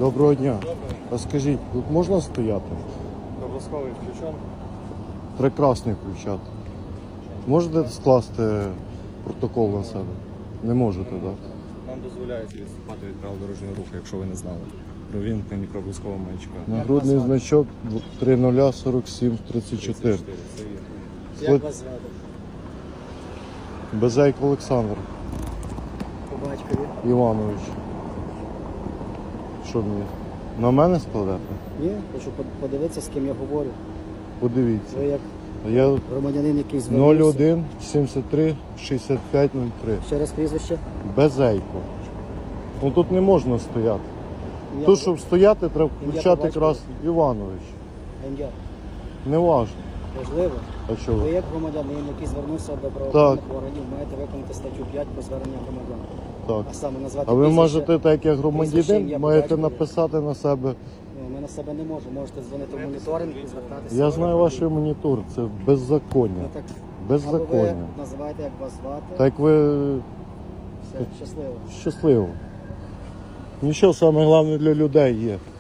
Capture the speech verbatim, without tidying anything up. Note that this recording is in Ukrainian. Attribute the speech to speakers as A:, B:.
A: Доброго дня. А скажіть, тут можна стояти?
B: Обов'язковий включен.
A: Прекрасний включати. Можете скласти протокол на себе? Не можете, так?
B: Нам дозволяється відступати від правил дорожнього руху, якщо ви не знали. Про вімкнення проблискового маячка.
A: Нагрудний значок три нуль сорок сім тридцять чотири.
B: Це вірно.
C: Як вас звати?
A: Безейко Олександр
C: По батькові?
A: Іванович. Що мені? На мене складати?
C: Ні, хочу под- подивитися, з ким я говорю.
A: Подивіться.
C: Ви як
A: Я
C: громадянин, який
A: нуль
C: звернувся.
A: один сімдесят три шістдесят п'ять нуль три.
C: Ще раз прізвище.
A: Безейко. Ну тут не можна стояти.
C: Ім'я,
A: Тут, щоб стояти, треба
C: Ім'я
A: включати
C: по
A: якраз Іванович.
C: ім'я.
A: Не важно.
C: Важливо.
A: А чого?
C: Ви як громадянин, який звернувся до правоохоронних органів, маєте виконати статтю п'ять про звернення громадян.
A: Так.
C: А саме назвати
A: А ви
C: прізвище.
A: можете, так як
C: прізвище,
A: громадянин,
C: ім'я,
A: маєте
C: по батькові.
A: написати на себе.
C: Ну, ми на себе не можемо. Можете дзвонити в моніторинг і звертатися.
A: Я знаю ваш монітор, це
C: Ну,
A: беззаконня.
C: так, або ви
A: Беззаконня.
C: називаєте, як вас звати.
A: Так ви
C: Все, щасливо.
A: щасливо. Нічого, саме головне для людей є.